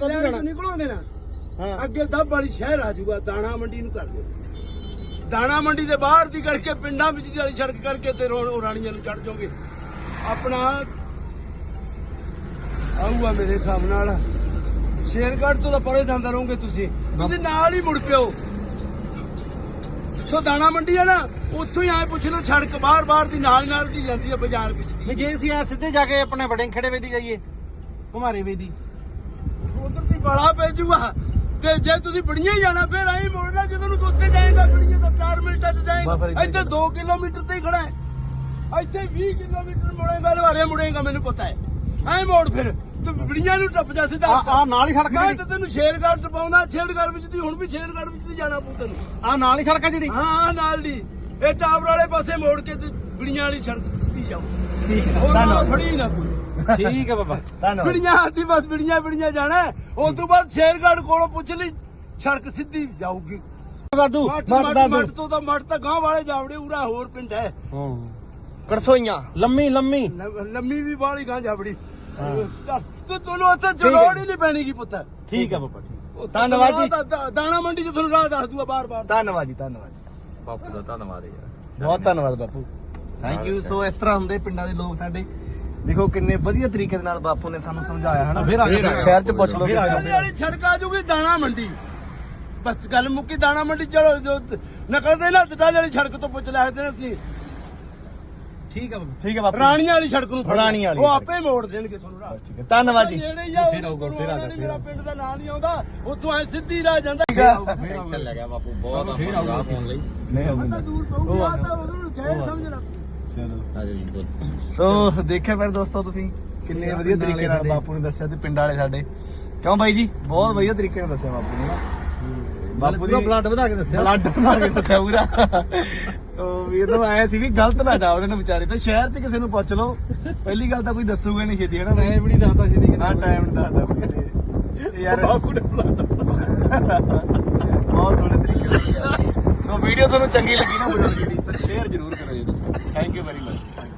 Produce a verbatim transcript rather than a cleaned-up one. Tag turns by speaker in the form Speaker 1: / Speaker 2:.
Speaker 1: ਤਾਂ ਜਾਣਾ
Speaker 2: ਨਿਕਲੋਗੇ ਨਾ
Speaker 1: ਹਾਂ
Speaker 2: ਅੱਗੇ ਦੱਬ ਵਾਲੀ ਸ਼ਹਿਰ ਆ ਜਾਊਗਾ ਦਾਣਾ ਮੰਡੀ ਨੂੰ ਕਰ ਦਿਓ ਦਾਣਾ ਮੰਡੀ ਦੇ ਬਾਹਰ ਦੀ ਕਰਕੇ ਪਿੰਡਾਂ ਵਿੱਚ ਦੀ ਵਾਲੀ ਸੜਕ ਕਰਕੇ ਤੇ ਰੋ- ਰਾਣੀਆਂ ਨੂੰ ਚੜ ਜਾਓਗੇ ਆਪਣਾ ਆਊਗਾ ਮੇਰੇ ਹਿਸਾਬ ਨਾਲ ਸ਼ੇਰਗੜ੍ਹ ਤੋਂ ਤਾਂ ਪਰੇ ਜਾਂਦਾ ਰਹੋਗੇ ਤੁਸੀਂ ਤੁਸੀਂ ਨਾਲ ਹੀ ਮੁੜ ਪਿਓ ਸੋ ਦਾਣਾ ਮੰਡੀ ਹੈ ਨਾ ਉੱਥੋਂ ਹੀ ਆਏ ਪੁੱਛ ਲਓ ਸੜਕ ਬਾਹਰ ਬਾਹਰ ਦੀ ਨਾਲ ਨਾਲ ਦੀ ਜਾਂਦੀ ਹੈ ਬਾਜ਼ਾਰ ਵਿੱਚ ਦੀ
Speaker 1: ਵੀ ਜੇ ਅਸੀਂ ਆ ਸਿੱਧੇ ਜਾ ਕੇ ਆਪਣੇ ਵੜੇ ਖੜੇ ਵੇਦੀ ਜਾਈਏ ਘੁਮਾਰੇ ਵੇਦੀ
Speaker 2: ਉਧਰ ਦੀ ਬੜਾ ਪੈ ਜੂਗਾ ਤੇ ਜੇ ਤੁਸੀਂ ਬੜੀਆਂ ਹੀ ਜਾਣਾ ਫਿਰ ਐਂ ਮੋੜਨਾ ਜਦੋਂ ਨੂੰ ਉੱਤੇ ਜਾਏਗਾ ਬੜੀਆਂ ਤਾਂ ਚਾਰ ਮਿੰਟਾਂ 'ਚ ਜਾਏਗਾ ਇੱਥੇ ਦੋ ਕਿਲੋਮੀਟਰ ਤੇ ਹੀ ਖੜਾ ਹੈ ਇੱਥੇ ਵੀਹ ਕਿਲੋਮੀਟਰ ਮੁੜੇਗਾ ਲਵਾਰੇ ਮੁੜੇਗਾ ਮੈਨੂੰ ਪਤਾ ਹੈ ਐਂ ਮੋੜ ਫਿਰ ਤੂੰ ਬੜੀਆਂ ਨੂੰ ਟੱਪ ਜਾ ਸਿੱਧਾ
Speaker 1: ਆ ਨਾਲ ਹੀ ਸੜਕ
Speaker 2: ਮੈਂ
Speaker 1: ਜਿਹੜੀ
Speaker 2: ਤਾਂ ਤੈਨੂੰ ਸ਼ੇਰਗੜ੍ਹ ਟਪਾਉਣਾ ਸ਼ੇਰਗੜ੍ਹ ਵਿੱਚ ਦੀ ਹੁਣ ਵੀ ਸ਼ੇਰਗੜ੍ਹ ਵਿੱਚ ਦੀ ਜਾਣਾ ਪਊ ਤੈਨੂੰ
Speaker 1: ਆ ਨਾਲ ਹੀ ਸੜਕ ਆ ਜਿਹੜੀ
Speaker 2: ਹਾਂ ਹਾਂ ਨਾਲ ਦੀ ਇਹ ਟਾਵਰ ਵਾਲੇ ਪਾਸੇ ਮੋੜ ਕੇ ਤੇ ਬੜੀਆਂ ਵਾਲੀ ਸੜਕ ਸਿੱਧੀ ਜਾਓ
Speaker 1: ਠੀਕ ਹੈ
Speaker 2: ਉਹ ਨਾਲ
Speaker 1: ਧੰਨਵਾਦ
Speaker 2: ਫੜੀ ਨਾ ਕੋਈ
Speaker 1: ਠੀਕ ਹੈ ਬਾਬਾ ਧੰਨਵਾਦ
Speaker 2: ਬਿੜੀਆਂ ਆਦੀ ਬਸ ਬਿੜੀਆਂ ਬਿੜੀਆਂ ਜਾਣਾ ਉਸ ਤੋਂ ਬਾਅਦ ਸ਼ੇਰਗੜ੍ਹ ਕੋਲੋਂ ਪੁੱਛ ਲਈ ਸੜਕ ਸਿੱਧੀ ਜਾਊਗੀ
Speaker 1: ਦਾਦੂ
Speaker 2: ਮੱਠ
Speaker 1: ਮੱਠ
Speaker 2: ਮੱਠ
Speaker 1: ਦਾਦੂ
Speaker 2: ਮੱਠ ਤੋਂ ਤਾਂ ਮੱਠ ਤਾਂ ਗਾਂਹ ਵਾਲੇ ਜਾਵੜੇ ਉਰਾ ਹੋਰ ਪਿੰਡ ਹੈ
Speaker 1: ਹਾਂ ਕੜਸੋਈਆਂ ਲੰਮੀ ਲੰਮੀ
Speaker 2: ਲ- ਲੰਮੀ ਵੀ ਬਾਹਲੀ ਗਾਂ ਜਾਵੜੀ ਚੱਲ, ਤੂੰ ਤੁਹਾਨੂੰ ਉੱਥੇ ਜਲੋੜ ਹੀ ਨਹੀਂ ਪੈਣੀ ਕੀ ਪੁੱਤ
Speaker 1: ਠੀਕ ਹੈ ਬਾਬਾ ਠੀਕ
Speaker 2: ਉੱਥੇ
Speaker 1: ਧੰਨਵਾਦ ਜੀ।
Speaker 2: ਦਾ- ਦਾ- ਦਾਣਾ ਮੰਡੀ ਚ ਤੁਹਾਨੂੰ ਰਾਹ ਦੱਸ ਦੂਗਾ ਬਾਰ ਬਾਰ
Speaker 1: ਧੰਨਵਾਦ ਜੀ ਧੰਨਵਾਦ
Speaker 3: ਬਾਪੂ ਦਾ ਧੰਨਵਾਦ ਯਾਰ
Speaker 1: ਬਹੁਤ ਧੰਨਵਾਦ ਬਾਪੂ ਥੈਂਕ ਯੂ ਸੋ ਇਸ ਤਰ੍ਹਾਂ ਹੁੰਦੇ ਪਿੰਡਾਂ ਦੇ ਲੋਕ ਸਾਡੇ ਦੇਖੋ ਕਿੰਨੇ ਵਧੀਆ ਤਰੀਕੇ ਦੇ ਨਾਲ ਬਾਪੂ ਨੇ ਸਾਨੂੰ ਸਮਝਾਇਆ ਹਨਾ
Speaker 3: ਫਿਰ ਆ ਜਾਓ।
Speaker 1: ਸ਼ਹਿਰ ਚ ਪੁੱਛ ਲਓ
Speaker 2: ਦਾਣੇ ਵਾਲੀ ਸੜਕ ਆ ਜੂਗੀ ਦਾਣਾ ਮੰਡੀ ਬਸ ਗੱਲ ਮੁੱਕੀ ਦਾਣਾ ਮੰਡੀ ਚਲੋ ਜੋ ਨਕਲਦੇ ਨਾ ਟਾਲੇ ਵਾਲੀ ਸੜਕ ਤੋਂ ਪੁੱਛ ਲੈ ਸਕਦੇ ਅਸੀਂ
Speaker 1: ਠੀਕ ਹੈ ਬਾਬੂ ਠੀਕ ਹੈ ਬਾਪੂ
Speaker 2: ਰਾਣੀਆਂ ਵਾਲੀ ਸੜਕ ਨੂੰ ਫੜ ਲਿਆ।
Speaker 1: ਰਾਣੀਆਂ ਵਾਲੀ
Speaker 2: ਉਹ
Speaker 1: ਸੜਕ।
Speaker 2: ਆਪੇ ਮੋੜ ਦੇਣਗੇ ਤੁਹਾਨੂੰ ਰਾਹ
Speaker 1: ਠੀਕ ਹੈ ਧੰਨਵਾਦ ਜੀ
Speaker 2: ਨੇੜੇ ਹੀ ਆ,
Speaker 1: ਫਿਰ ਆਊਗਾ, ਫਿਰ ਆ ਜਾ, ਫਿਰ
Speaker 2: ਮੇਰਾ
Speaker 1: ਆ।
Speaker 2: ਪਿੰਡ ਦਾ ਨਾਂ ਨਹੀਂ ਆਉਂਦਾ ਉੱਥੋਂ ਐ ਸਿੱਧੀ ਰਾਹ ਜਾਂਦਾ
Speaker 3: ਟੈਨਸ਼ਨ ਲੈ ਗਿਆ ਬਾਪੂ ਬਹੁਤ ਆਪਾਂ ਰਾਹ ਪਾਉਣ ਲਈ
Speaker 1: ਨਹੀਂ
Speaker 2: ਤਾਂ ਦੂਰ ਪਊਗੀ ਆ ਤਾਂ ਉਹਨੂੰ ਗੈਰ ਸਮਝਣਾ
Speaker 1: ਚਲੋ
Speaker 3: ਆ ਜਾਓ ਜੀ ਬੋਲ
Speaker 1: ਸੋ ਦੇਖਿਆ ਫਿਰ ਦੋਸਤੋ ਤੁਸੀਂ ਕਿੰਨੇ ਵਧੀਆ ਤਰੀਕੇ ਨਾਲ ਬਾਪੂ ਨੇ ਦੱਸਿਆ ਤੇ ਪਿੰਡ ਵਾਲੇ ਸਾਡੇ ਕਿਉਂ ਬਾਈ ਜੀ ਬਹੁਤ ਵਧੀਆ ਤਰੀਕੇ ਨਾਲ ਦੱਸਿਆ ਬਾਪੂ ਨੇ ਨਾ ਬਾਪੂ ਦੀ
Speaker 2: ਬਲੱਡ ਵਧਾ ਕੇ ਦੱਸਿਆ
Speaker 1: ਬਲੱਡ ਬਣਾ ਕੇ ਦੱਸਿਆ ਪੂਰਾ ਉਹ ਵੀਰ ਨੂੰ ਆਇਆ ਸੀ ਵੀ ਗਲਤ ਨਾ ਜਾ ਉਹਨਾਂ ਨੂੰ ਵਿਚਾਰੇ ਤੇ ਸ਼ਹਿਰ 'ਚ ਕਿਸੇ ਨੂੰ ਪੁੱਛ ਲਓ ਪਹਿਲੀ ਗੱਲ ਤਾਂ ਕੋਈ ਦੱਸੂਗਾ ਨਹੀਂ ਛੇਤੀ ਹਨਾ
Speaker 2: ਮੈਂ ਵੀ ਨਹੀਂ ਦੱਸਦਾ ਸੀ ਦੀ
Speaker 1: ਹਾਂ ਟਾਈਮ ਨਹੀਂ ਦੱਸਦਾ ਕੋਈ ਤੇ ਯਾਰ
Speaker 2: ਬਾਪੂ ਨੇ ਬਲੱਡ
Speaker 1: ਬਹੁਤ ਸੋਹਣੇ ਤਰੀਕੇ ਨਾਲ ਦੱਸਿਆ। ਸੋ ਵੀਡੀਓ ਤੁਹਾਨੂੰ ਚੰਗੀ ਲੱਗੀ ਨਾ ਬਜ਼ੁਰਗ ਜੀ ਦੀ ਤਾਂ ਸ਼ੇਅਰ ਜ਼ਰੂਰ ਕਰੋ ਜੀ ਦੋਸਤੋ ਥੈਂਕ ਯੂ ਵੈਰੀ ਮਚ